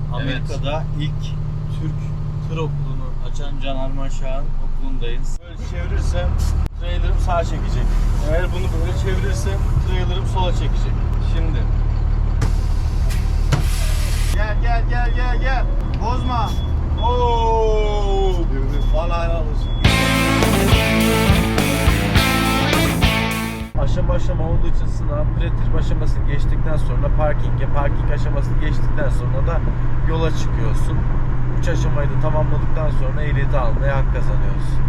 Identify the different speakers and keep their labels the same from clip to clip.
Speaker 1: Amerika'da ilk Türk tır okulunu açan Can Arman Şah'ın okulundayız. Böyle çevirirsem trailer'ım sağa çekecek. Eğer bunu böyle çevirirsem trailer'ım sola çekecek. Şimdi. Gel. Bozma. Oo! Vallahi helal olsun. Aşama olduğu için sınav pre-trip aşamasını geçtikten sonra parking aşamasını geçtikten sonra da yola çıkıyorsun. 3 aşamayı da tamamladıktan sonra ehliyeti almaya hak kazanıyoruz.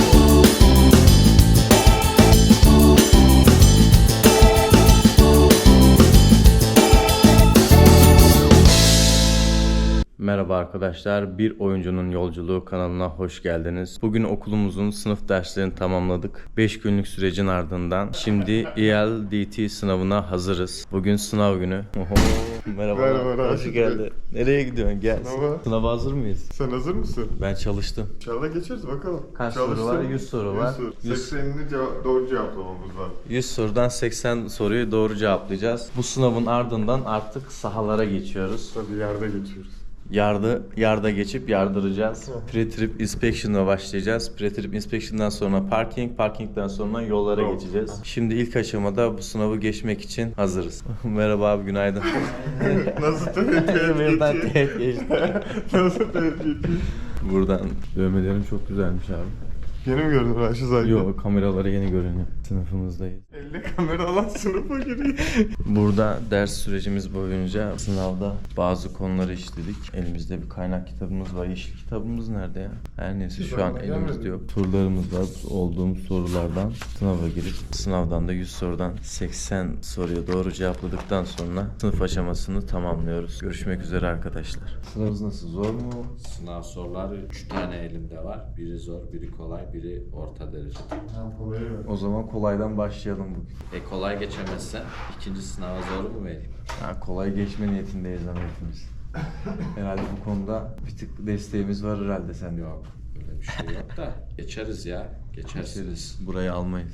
Speaker 1: Merhaba arkadaşlar, Bir Oyuncunun Yolculuğu kanalına hoş geldiniz. Bugün okulumuzun sınıf derslerini tamamladık. 5 günlük sürecin ardından şimdi ELDT sınavına hazırız. Bugün sınav günü. Merhaba. Hoş geldin. Nereye gidiyorsun? Gel. Sınava hazır mıyız?
Speaker 2: Sen hazır mısın?
Speaker 1: Ben çalıştım.
Speaker 2: İnşallah geçeriz bakalım.
Speaker 1: Kaç soru var? 100 soru var.
Speaker 2: 80'ini doğru cevaplamamız var.
Speaker 1: 100 sorudan 80 soruyu doğru cevaplayacağız. Bu sınavın ardından artık sahalara geçiyoruz.
Speaker 2: Tabii yerde geçiyoruz.
Speaker 1: Yarda geçip yardıracağız. Pre-trip inspection'a başlayacağız. Pre-trip inspection'dan sonra parkingden sonra yollara geçeceğiz. Şimdi ilk aşamada bu sınavı geçmek için hazırız. Merhaba abi, günaydın.
Speaker 2: Nasıl tehdit
Speaker 1: geçti.
Speaker 2: Nasıl tehdit?
Speaker 1: Buradan dövmelerin çok güzelmiş abi.
Speaker 2: Yeni mi gördün Raşit zaten?
Speaker 1: Yok, kameralara yeni görünüyor. Sınıfımızdayız.
Speaker 2: Elle kamera alan sınıfa giriyor.
Speaker 1: Burada ders sürecimiz boyunca sınavda bazı konuları işledik. Elimizde bir kaynak kitabımız var. Yeşil kitabımız nerede ya? Her neyse şu an elimizde yok. Sorularımız var. Olduğumuz sorulardan sınava girip sınavdan da 100 sorudan 80 soruya doğru cevapladıktan sonra sınıf aşamasını tamamlıyoruz. Görüşmek üzere arkadaşlar. Sınavınız nasıl? Zor mu?
Speaker 3: Sınav soruları 3 tane elimde var. Biri zor, biri kolay, biri orta derece.
Speaker 1: O zaman kolaydan başlayalım bugün.
Speaker 3: Kolay geçemezsen ikinci sınava zor mu vereyim?
Speaker 1: Ha, kolay geçme niyetindeyiz ama hepimiz. Herhalde bu konuda bir tık desteğimiz var herhalde sende.
Speaker 3: Yok, öyle bir şey yok da geçeriz ya. Geçeriz.
Speaker 1: Burayı almayız.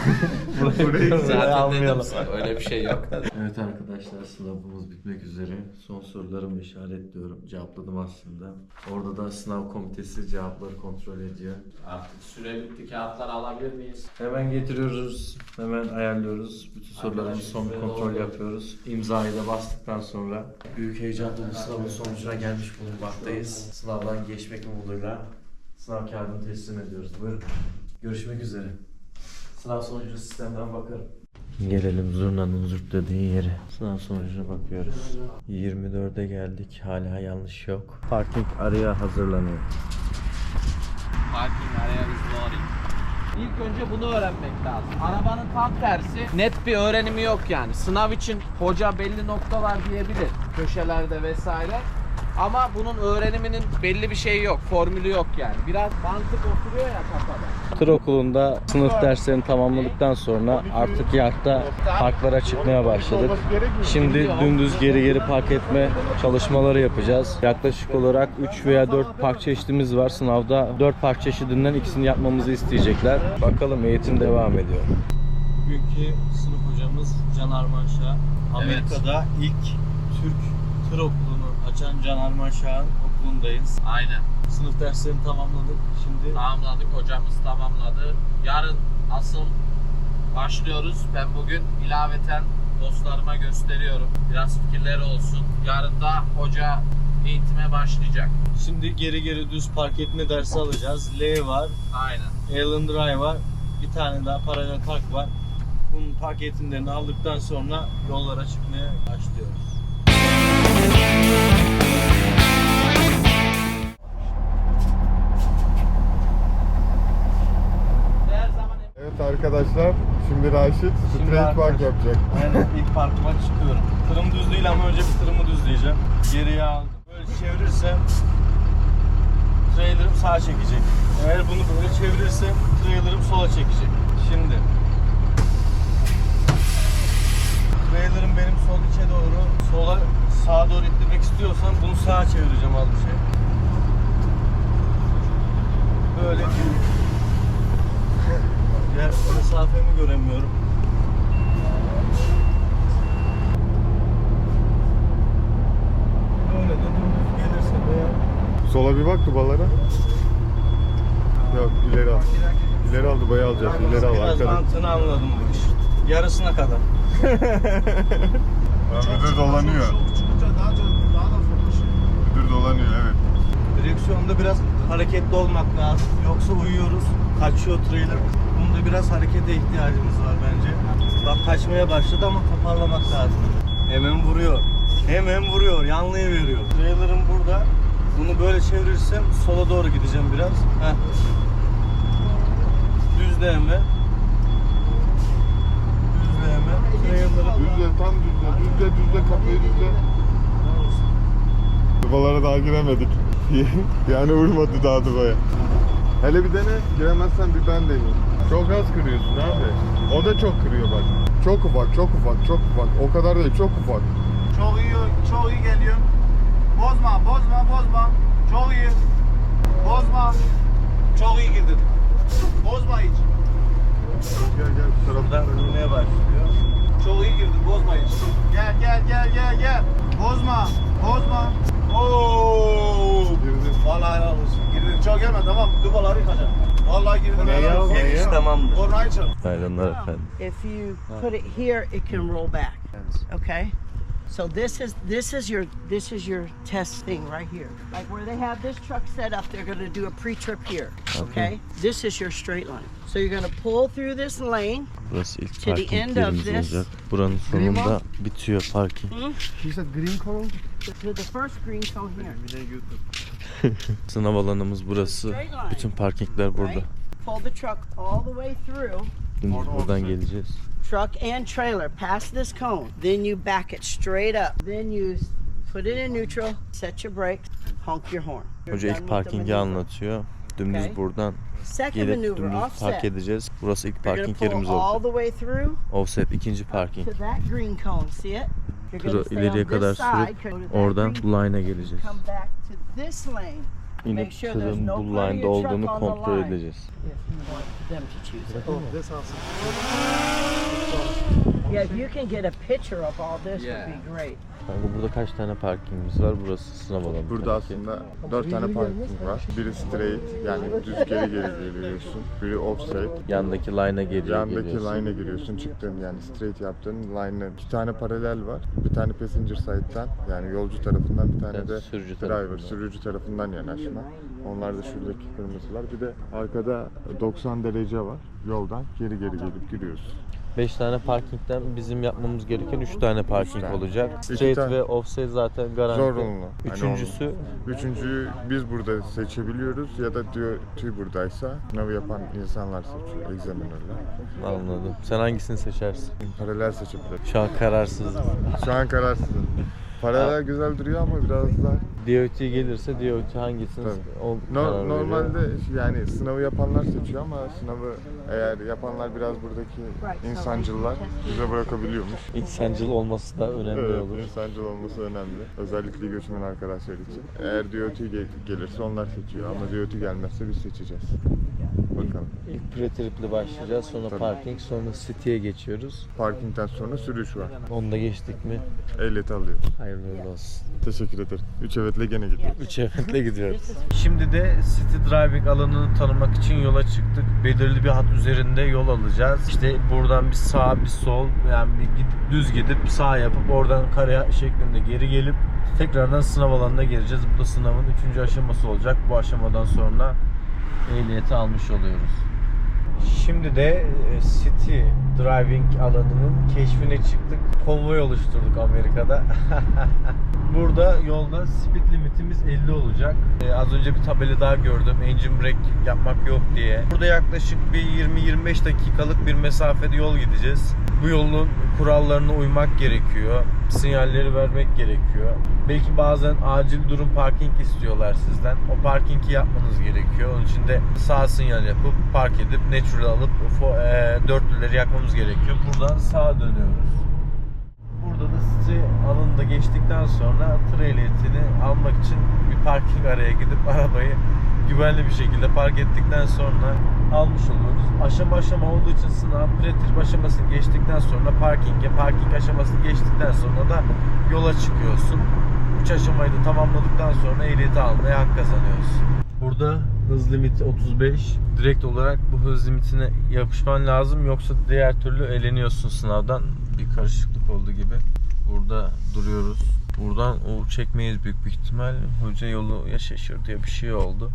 Speaker 3: Zaten dedim sana, öyle bir şey yok.
Speaker 1: Evet arkadaşlar, sınavımız bitmek üzere. Son sorularımı işaretliyorum. Cevapladım aslında. Orada da sınav komitesi cevapları kontrol ediyor.
Speaker 3: Artık süre bitti, kağıtları alabilir miyiz?
Speaker 1: Hemen getiriyoruz. Hemen ayarlıyoruz. Bütün sorularımızı son bir kontrol yapıyoruz. İmzayı da bastıktan sonra büyük heyecanla bu sınavın sonucuna gelmiş bulunmaktayız. Sınavdan geçmek umuduyla sınav kağıdını teslim ediyoruz. Buyurun. Görüşmek üzere. Sınav sonucunu sistemden bakarım. Gelelim zurnanın zürt dediği yere. Sınav sonucuna bakıyoruz. 24'e geldik. Hala yanlış yok. Parking araya hazırlanıyor.
Speaker 3: Parking area is loading. İlk önce bunu öğrenmek lazım. Arabanın tam tersi, net bir öğrenimi yok yani. Sınav için hoca belli noktalar diyebilir, köşelerde vesaire. Ama bunun öğreniminin belli bir şeyi yok, formülü yok yani. Biraz mantık oturuyor ya kafada.
Speaker 1: Tır okulunda sınıf derslerini tamamladıktan sonra artık yardta parklara çıkmaya başladık. Şimdi dümdüz geri park etme çalışmaları yapacağız. Yaklaşık olarak 3 veya 4 park çeşidimiz var. Sınavda 4 park çeşidinden ikisini yapmamızı isteyecekler. Bakalım, eğitim devam ediyor. Bugünkü sınıf hocamız Can Arman Şah. Amerika'da ilk Türk tır okulunu açan Can Arman Şah'ın okulundayız.
Speaker 3: Aynen.
Speaker 1: Sınıf derslerini tamamladık. Şimdi
Speaker 3: Tamamladık, hocamız tamamladı. Yarın asıl başlıyoruz. Ben bugün ilaveten dostlarıma gösteriyorum. Biraz fikirleri olsun. Yarın da hoca eğitime başlayacak.
Speaker 1: Şimdi geri düz park etme dersi alacağız. L var.
Speaker 3: Aynen.
Speaker 1: Allen Drive var. Bir tane daha paralel park var. Bunun park eğitimlerini aldıktan sonra yollara çıkmaya başlıyoruz.
Speaker 2: Evet arkadaşlar, şimdi Raşit straight park yapacak.
Speaker 1: Aynen, ilk parkıma çıkıyorum. Tırım düz değil ama önce bir tırımı düzleyeceğim. Geriye aldım. Böyle çevirirsem trailer'ım sağa çekecek. Eğer bunu böyle çevirirsem trailer'ım sola çekecek. Şimdi trailer'ım benim sol içe doğru, sağa doğru ittirmek istiyorsam bunu sağa çevireceğim az bir şey. Böyle diğer mesafemi göremiyorum. Böyle de dümdüz
Speaker 2: Sola bir bak dubalara. Yok ileri al. İleri al dubayı alacağız. İleri al
Speaker 1: Biraz
Speaker 2: arkada.
Speaker 1: mantığını anladım bu iş. Yarısına kadar.
Speaker 2: Müdür dolanıyor. Müdür dolanıyor evet.
Speaker 1: Direksiyonda biraz hareketli olmak lazım. Yoksa uyuyoruz. Kaçıyor trailer. Bunda biraz harekete ihtiyacımız var bence. Bak kaçmaya başladı ama toparlamak lazım. Hemen vuruyor. Hemen vuruyor. Yanlıyı veriyor. Trailer'ım burada. Bunu böyle çevirirsem sola doğru gideceğim biraz. Heh. Düzleme. Düzleme. Trailer'ı
Speaker 2: Düzle tam düzle. Düzle kafayı düzle. Dubalara daha giremedik. Yani vurmadı daha dubaya. Hele bir dene. Giremezsen bir ben deneyeyim. Çok az kırıyorsun abi. O da çok kırıyor bak. Çok ufak, çok ufak, çok ufak. O kadar değil, çok ufak.
Speaker 4: Çok iyi geliyor. Bozma. Çok iyi. Bozma. Çok iyi girdin. Bozma hiç.
Speaker 2: Gel bu tarafa.
Speaker 1: buradan vurmaya başlıyor.
Speaker 4: Çok iyi girdin. Bozma hiç. Gel. Bozma. Oo.
Speaker 2: Girdin.
Speaker 4: Vallahi helal olsun. Girdin. Çok gelme tamam. Dubaları yıkacağım. Vallahi girdin. helal olsun.
Speaker 1: Giriş tamamdır.
Speaker 4: Orayı çal.
Speaker 1: Hayranlar efendim.
Speaker 5: If you put it here, it can roll back. Okay. So this is your test thing right here. Like where they have this truck set up, they're going to do a pre-trip here. Okay. This is your straight line. So you're going to pull through this lane.
Speaker 1: Burası ilk
Speaker 5: To the
Speaker 1: parking
Speaker 5: end of
Speaker 1: yerimiz
Speaker 5: this.
Speaker 1: olacak. Buranın sonunda bitiyor parking.
Speaker 5: To the first green cone here.
Speaker 1: Sınav alanımız burası. Bütün parkingler burada.
Speaker 5: Right? Pull the truck all the way through.
Speaker 1: Dümdüz buradan geleceğiz.
Speaker 5: Truck and trailer past this cone. Then you back it straight up. Then you put it in neutral, set your brakes, honk your horn. You're
Speaker 1: Hoca
Speaker 5: done
Speaker 1: ilk
Speaker 5: with the
Speaker 1: parkingi
Speaker 5: maneuver.
Speaker 1: anlatıyor. Dümdüz
Speaker 5: Okay.
Speaker 1: buradan
Speaker 5: Second
Speaker 1: gelip
Speaker 5: maneuver,
Speaker 1: dümdüz
Speaker 5: offset.
Speaker 1: park edeceğiz. Burası ilk
Speaker 5: You're gonna
Speaker 1: parking
Speaker 5: pull
Speaker 1: yerimiz
Speaker 5: all
Speaker 1: olacak.
Speaker 5: the way through
Speaker 1: Offset ikinci parking.
Speaker 5: to that green cone. See it? You're
Speaker 1: Turu
Speaker 5: gonna stay
Speaker 1: ileriye
Speaker 5: on
Speaker 1: kadar
Speaker 5: this side,
Speaker 1: sürüp
Speaker 5: go to that
Speaker 1: oradan
Speaker 5: green,
Speaker 1: bu line'a geleceğiz.
Speaker 5: come back to this lane.
Speaker 1: İnip
Speaker 5: Make sure there's
Speaker 1: tırın
Speaker 5: no
Speaker 1: bu
Speaker 5: part of
Speaker 1: line'da
Speaker 5: your truck
Speaker 1: olduğunu
Speaker 5: on the
Speaker 1: kontrol
Speaker 5: line.
Speaker 1: edeceğiz.
Speaker 5: If you want them to choose it. Yeah, if you can get a picture of all this, would be great.
Speaker 1: Kanka burada kaç tane parkingimiz var? Burası sınav alanı.
Speaker 2: Burada
Speaker 1: tabii ki.
Speaker 2: aslında 4 tane parking var. Biri straight yani düz geri geliyorsun. Biri offside.
Speaker 1: Yandaki line'a geliyor.
Speaker 2: Yandaki
Speaker 1: geliyorsun.
Speaker 2: line'a giriyorsun. Çıktığın yani straight yaptığın line'ın 2 tane paralel var. Bir tane passenger side'dan yani yolcu tarafından bir tane
Speaker 1: Yani
Speaker 2: de
Speaker 1: sürücü
Speaker 2: driver,
Speaker 1: tarafından.
Speaker 2: sürücü tarafından yanaşma. Onlar da şuradaki kırmızılar. Bir de arkada 90 derece var. Yoldan geri gelip giriyorsun.
Speaker 1: 5 tane parkingden bizim yapmamız gereken 3 tane parking
Speaker 2: tane.
Speaker 1: olacak.
Speaker 2: İki
Speaker 1: Straight
Speaker 2: tane.
Speaker 1: ve offset zaten garanti.
Speaker 2: Zorunlu.
Speaker 1: Üçüncüsü
Speaker 2: Üçüncüyü biz burada seçebiliyoruz ya da diyor tüy buradaysa sınavı yapan insanlar seçiyor, examinerler.
Speaker 1: anladım. Sen hangisini seçersin?
Speaker 2: Paralel seçebilir.
Speaker 1: Şu an kararsız.
Speaker 2: Şu an kararsızım. Paralel güzel duruyor ama biraz daha
Speaker 1: DOT gelirse DOT hangisini
Speaker 2: Tabii.
Speaker 1: o karar veriyor.
Speaker 2: normalde yani sınavı yapanlar seçiyor ama sınavı eğer yapanlar biraz buradaki insancıllar bize bırakabiliyormuş.
Speaker 1: İnsancıl olması da önemli
Speaker 2: Evet,
Speaker 1: olur.
Speaker 2: insancıl olması önemli. Özellikle göçmen arkadaşlar için. Eğer DOT gelirse onlar seçiyor ama DOT gelmezse biz seçeceğiz. Bakalım.
Speaker 1: İlk pre-trip'le başlayacağız. Sonra
Speaker 2: Tabii.
Speaker 1: parking, sonra city'ye geçiyoruz.
Speaker 2: Parkingden sonra sürüş var.
Speaker 1: Onu da geçtik mi?
Speaker 2: Ehliyeti alıyoruz.
Speaker 1: Hayırlı uğurlu olsun.
Speaker 2: Teşekkür ederim. 3 evetle gene gidiyoruz.
Speaker 1: 3 eventle gidiyoruz. Şimdi de city driving alanını tanımak için yola çıktık. Belirli bir hat üzerinde yol alacağız. İşte buradan bir sağ bir sol yani düz gidip sağ yapıp oradan kare şeklinde geri gelip tekrardan sınav alanına gireceğiz. Bu da sınavın 3. aşaması olacak. Bu aşamadan sonra ehliyeti almış oluyoruz. Şimdi de City Driving alanının keşfine çıktık. Konvoy oluşturduk Amerika'da. Burada yolda speed limitimiz 50 olacak. Az önce bir tabela daha gördüm. Engine brake yapmak yok diye. Burada yaklaşık bir 20-25 dakikalık bir mesafede yol gideceğiz. Bu yolun kurallarına uymak gerekiyor. Sinyalleri vermek gerekiyor. Belki bazen acil durum parking istiyorlar sizden. O parkingi yapmanız gerekiyor. Onun için de sağ sinyal yapıp park edip natural alıp dörtlüleri yakmamız gerekiyor. Buradan sağa dönüyoruz. Burada da City alanında geçtikten sonra tır ehliyetini almak için bir parking araya gidip arabayı güvenli bir şekilde park ettikten sonra almış oluyoruz. Aşama aşama olduğu için sınav pre-trip aşamasını geçtikten sonra parking aşamasını geçtikten sonra da yola çıkıyorsun. 3 aşamayı da tamamladıktan sonra ehliyeti almaya hak kazanıyoruz. Burada hız limiti 35. Direkt olarak bu hız limitine yapışman lazım, yoksa diğer türlü eleniyorsun sınavdan. Bir karışıklık oldu gibi. Burada duruyoruz. Buradan o çekmeyiz büyük bir ihtimal. Hoca yolu ya şaşırdı ya bir şey oldu.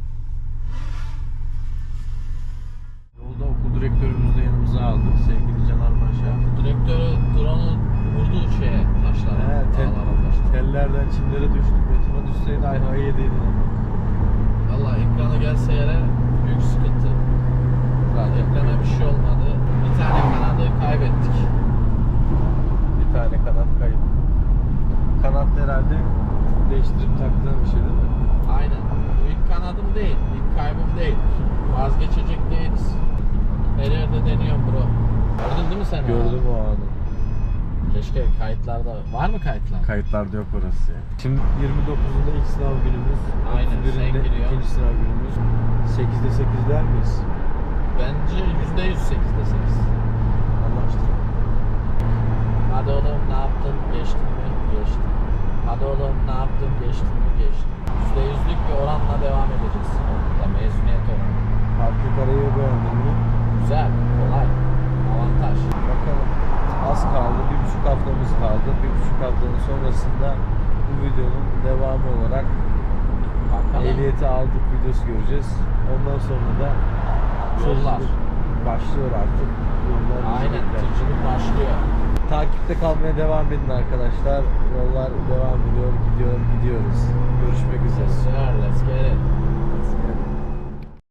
Speaker 1: Yolda okul direktörümüzü de yanımıza aldık. Sevgili Caner Paşa.
Speaker 3: Direktörü drone'u vurdu şeye, taşlara. Dağlara, taşlara.
Speaker 1: Tellerden çimlere düştük. Betona düşseydi ayvayı yediydi.
Speaker 3: Valla ekrana gelse yere büyük sıkıntı. Ekrana bir şey olmadı. Bir tane kanadı kaybettik.
Speaker 1: Bir tane kanat kayıp. Kanat herhalde değiştirip taktığın bir şey değil mi?
Speaker 3: Aynen. Bu ilk kanadım değil, ilk kaybım değil. Vazgeçecek değiliz. Her yerde deniyorum bro. Gördün değil mi sen?
Speaker 1: Gördüm o anı.
Speaker 3: Keşke kayıtlarda... Var mı kayıtlar?
Speaker 1: Kayıtlarda yok orası ya. Şimdi 29'unda ilk sınav günümüz.
Speaker 3: Aynen, sen
Speaker 1: 31'inde
Speaker 3: giriyor.
Speaker 1: ikinci sınav günümüz. 8'de 8 der miyiz?
Speaker 3: Bence %100 8'de 8.
Speaker 1: Anlaştık.
Speaker 3: Hadi oğlum ne yaptın? Geçtin mi? Geçtin. Hadi oğlum ne yaptın? Geçtin mi? Geçtin. %100'lük bir oranla devam edeceğiz. Okulda mezuniyet oranı.
Speaker 1: Farklı karayı beğendin mi?
Speaker 3: Güzel, kolay, avantaj.
Speaker 1: Bakalım. Az kaldı. 1,5 haftamız kaldı. 1,5 haftanın sonrasında bu videonun devamı olarak
Speaker 3: Bakalım.
Speaker 1: ehliyeti aldık videosu göreceğiz. Ondan sonra da
Speaker 3: Yollar.
Speaker 1: başlıyor artık. Yollar bizi
Speaker 3: Aynen,
Speaker 1: bekler.
Speaker 3: tırcılık başlıyor.
Speaker 1: Takipte kalmaya devam edin arkadaşlar. Yollar devam ediyor, gidiyoruz. Görüşmek üzere.
Speaker 3: Sir, let's get it.